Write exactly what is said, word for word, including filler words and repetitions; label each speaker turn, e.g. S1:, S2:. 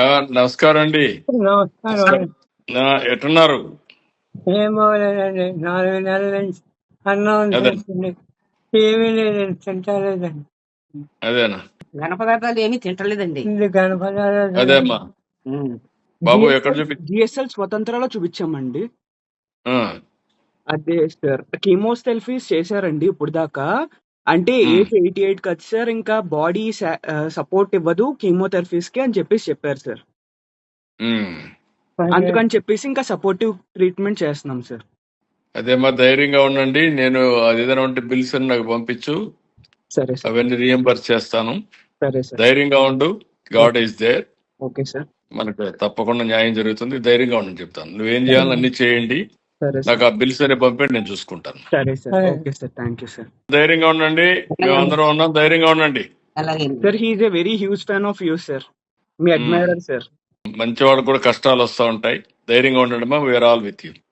S1: ఆ, నమస్కారం అండి.
S2: నమస్కారం.
S1: ఆ, ఎట్టున్నారు?
S2: ఏం బాగోలేదండి. నాలుగు నెలల నుంచి అన్నం
S1: అదే
S2: తింటుంది. ఏమీ లేదండి, తింటలేదండి.
S1: అదేనా
S3: ఘన పదార్థాలు ఏమీ తింటలేదండి.
S2: ఇది గణపదాలు
S1: అదే అమ్మా. బాబు ఎక్కడ చూపి
S4: జిఎస్ఎల్ స్వతంత్రాలో చూపించామండి.
S1: ఆ,
S4: అదే సార్, కీమోథెరపీస్ చేశారండి ఇప్పుడు దాకా. అంటే
S1: ఉమ్,
S4: ఏజ్ ఎయిటీ ఎయిట్ కదా సార్, ఇంకా బాడీ సపోర్ట్ ఇవ్వదు కీమోథెరపీస్ కి అని చెప్పేసి చెప్పారు సార్.
S1: ఉమ్.
S4: అందుకని చెప్పేసి ఇంకా సపోర్టివ్ ట్రీట్మెంట్ చేస్తున్నాం సార్.
S1: అదేమ్మా, ధైర్యంగా ఉండండి. నేను అది ఏదైనా ఉంటే బిల్స్ అని నాకు పంపించు,
S4: సరే సార్.
S1: అవన్నీ రియంబర్స్ చేస్తాను.
S4: సరే సార్.
S1: ధైర్యంగా ఉండు. God is there.
S4: Okay sir.
S1: మనకు తప్పకుండా న్యాయం జరుగుతుంది. ధైర్యంగా ఉండని చెప్తాను. నువ్వేం చేయాలని అన్ని చేయండి.
S4: సరే
S1: నాకు
S4: సార్.
S1: ఆ బిల్స్ అనే పంపండి, నేను చూసుకుంటాను.
S4: సరే సార్.
S2: సరే.
S4: Okay sir. Thank you sir.
S1: ధైర్యంగా ఉండండి. మేము అందరం ఉన్నాం. ధైర్యంగా ఉండండి.
S3: అలాగే
S4: sir, he is a very huge fan of you sir. మీ అడ్మైరర్ సార్.
S1: మంచివాడు కూడా కష్టాలు వస్తూ ఉంటాయి. ధైర్యంగా ఉండండి. మా వీఆర్ ఆల్ విత్ యూ.